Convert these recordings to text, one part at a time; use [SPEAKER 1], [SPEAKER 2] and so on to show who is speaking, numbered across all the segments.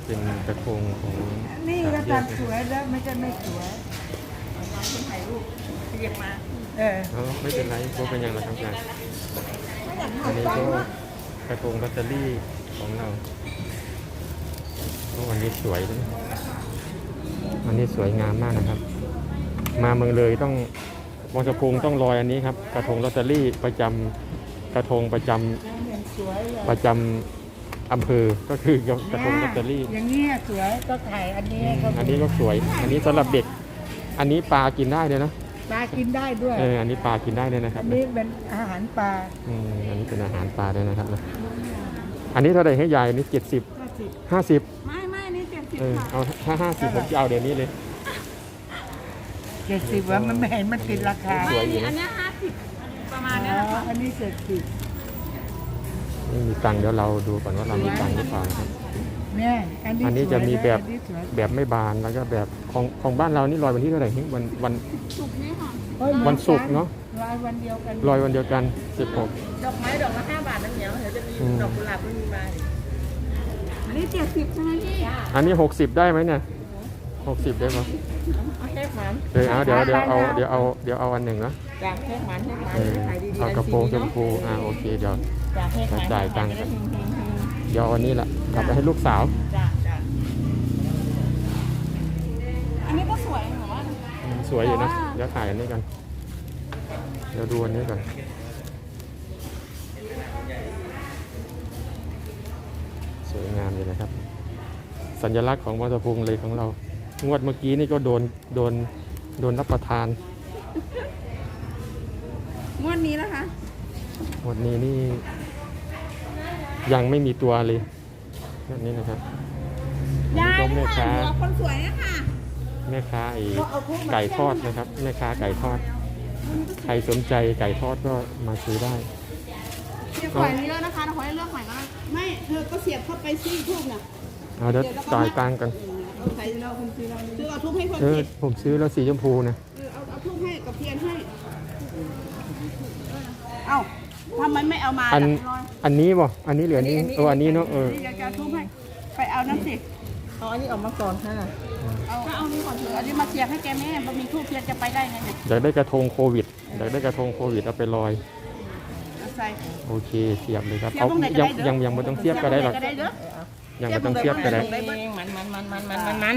[SPEAKER 1] เป็นกระทงของ
[SPEAKER 2] นี่ก็ทำสวยแล้วไม่ใช่ไม่สวย
[SPEAKER 3] ถ่ายรูปเรียกมา
[SPEAKER 1] ไม่เป็นไรพวกเป็นอย่างไรครับการอันนี้ก็กระทงลอตเตอรี่ของเราวันนี้สวยนะวันนี้สวยงามมากนะครับ มาเมืองเลยต้องวังสะพุงต้องลอยอันนี้ครับกระทงลอตเตอรี่ประจำกระทงประจำอำเภอก็คือกระทงลอตเตอรี่
[SPEAKER 2] อย่างนี้สวยก็ถ่ายอันนี้
[SPEAKER 1] อันนี้ก็สวย อันนี้สำหรับเด็กอันนี้ปลากินได้เลยนะ
[SPEAKER 2] ปลากินได้ด้วย
[SPEAKER 1] อันนี้ปลากินได้เลยนะครับ
[SPEAKER 2] อันนี้เป็นอาหารปลา
[SPEAKER 1] อันนี้เป็นอาหารปลาด้วยนะครับอันนี้เท่าไหร่ให้ยายนี่50
[SPEAKER 3] ไม่นี่70
[SPEAKER 1] เอาถ้า50ผมจะเอาเดี๋ยวนี้เลย
[SPEAKER 2] 70ว่ามันไม่เห็นมันติดราคา
[SPEAKER 1] สวยอยู่นะ
[SPEAKER 3] อันนี้50ประมาณนี้ค่ะ
[SPEAKER 2] อันนี้
[SPEAKER 1] นี่มีตังค์เดี๋ยวเราดูก่อนว่าเรามีตังค์หรือเปล่าครับ
[SPEAKER 2] เนี่ย
[SPEAKER 1] อันนี้จะมีแบบไม่บานแล้วก็แบบของบ้านเรานี่ลอยวันที่เท่าไหร่วัน
[SPEAKER 3] ศุกร์นี้ค่ะ
[SPEAKER 1] วันศุกร์เนาะ
[SPEAKER 2] ลอยวันเดียวกัน
[SPEAKER 1] 16
[SPEAKER 3] ดอกไม้ดอกละ5 บาทน้ำเหนียวเดี๋ยวจะมีดอกกุหลาบมันมีมาอันนี้70ใช่ไหมพี่
[SPEAKER 1] อันนี้60ได้ไหมเนี่ย60ได้ไหม
[SPEAKER 3] เอาแค่หมัน
[SPEAKER 1] เดี๋ยวเอาอันหนึ่งนะ
[SPEAKER 3] จากแค่หมันขายดีๆ
[SPEAKER 1] เอากระโปรงชมพูโอเคเดี๋ยวจ่ายตังค์กันเดี๋ยววันนี้แหละกลับไปให้ลูกสาว
[SPEAKER 3] อันนี้ก็สวยเหรอวะ
[SPEAKER 1] สวยอยู่นะเดี๋ยวถ่ายอันนี้กันเดี๋ยวดูอันนี้ก่อนสวยงามเลยนะครับสัญลักษณ์ของวังสะพุงเลยของเรางวดเมื่อกี้นี่ก็โดนรับประทาน
[SPEAKER 3] งวดนี้นะคะ
[SPEAKER 1] งวดนี้นี่ยังไม่มีตัวเลยแบบนี้นะครับ
[SPEAKER 3] ยายแม่ค้าคนสวยเนี่ยค่ะ
[SPEAKER 1] แม่ค้าไก่ทอดนะครับแม่ค้าไก่ทอดใครสนใจไก่ทอดก็มาซื้อได้
[SPEAKER 3] เสียบหอยเยอะนะคะขอให้เลือกหอยก็ได้ไม่เธอก็เสียบเข้าไปซี่ทูบน่ะ
[SPEAKER 1] เดี๋ยวจ่ายตังค์กัน
[SPEAKER 3] ใส่เราคุณซื้อเอาทูบให้คน
[SPEAKER 1] ผมซื้อแล้วสีชมพูนะ
[SPEAKER 3] เอาทูบให้กับเทียนให้เอ้าทำไมไม่เอามา
[SPEAKER 1] อันนี้บ่อันนี้เหลือนี้อันนี้เนาะ
[SPEAKER 3] อยากจะทุบให้ไปเอาน้ำสิเอาอันนี้ออกมาก่อนค่ะเอานี่ก่อนเถอะอันนี้มาเสียบให้แกแม่บะหมี่ทูบเทียนจะไปได้ไงเนี่ย
[SPEAKER 1] อยากได้กระทงโควิดเอาไปลอยโอเคเสียบเลยครับเอายังไม่ต้องเสียบก็ได้หรอกยังไม่ต้องเสียบก็ได้
[SPEAKER 3] มัน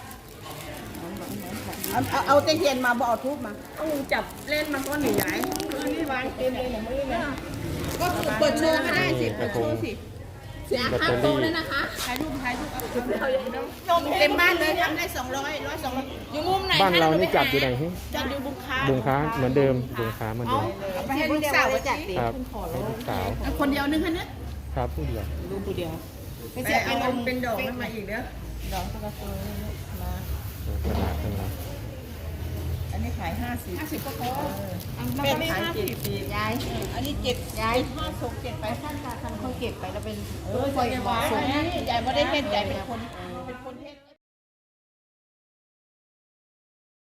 [SPEAKER 3] เอาเทียนมาบ่เอาทูบมาต้องจับเล่นมันก็หนีใหญ่นี่วางเต็มเลยหนูไม่ได้ก็เปิดโชว์ก็ได้สิเปิดโชว์สิเสียค่าโต๊ะเลยนะคะถ่ายรูปเต็มบ้านเลยทำได้200อยู่มุมไหน
[SPEAKER 1] บ้านเรานี่จัดอยู่ไหน
[SPEAKER 3] จัดอยู่บุงค้า
[SPEAKER 1] เหมือนเดิมบุงค้าเหมือนเดิม
[SPEAKER 3] ไปให้ลูกสาวจัดสิ
[SPEAKER 1] ครับให้ลูกสาว
[SPEAKER 3] คนเดียวนึงคะเนี่ย
[SPEAKER 1] ครับผู้เดียว
[SPEAKER 3] ลูกผู้เดียวไปเสียเป็นดอกมาอีกเด้อดอกกระโปรงมากระดาษทั้งนั้นอันนี้ขาย50ก็พอเป็นขาย7ยายอันนี้7ยาย5 7ไปท่านเขาเก็บไปแล้วเป็นคอยบอกยายไม่ได้เห็นยายเป็นคนเห็น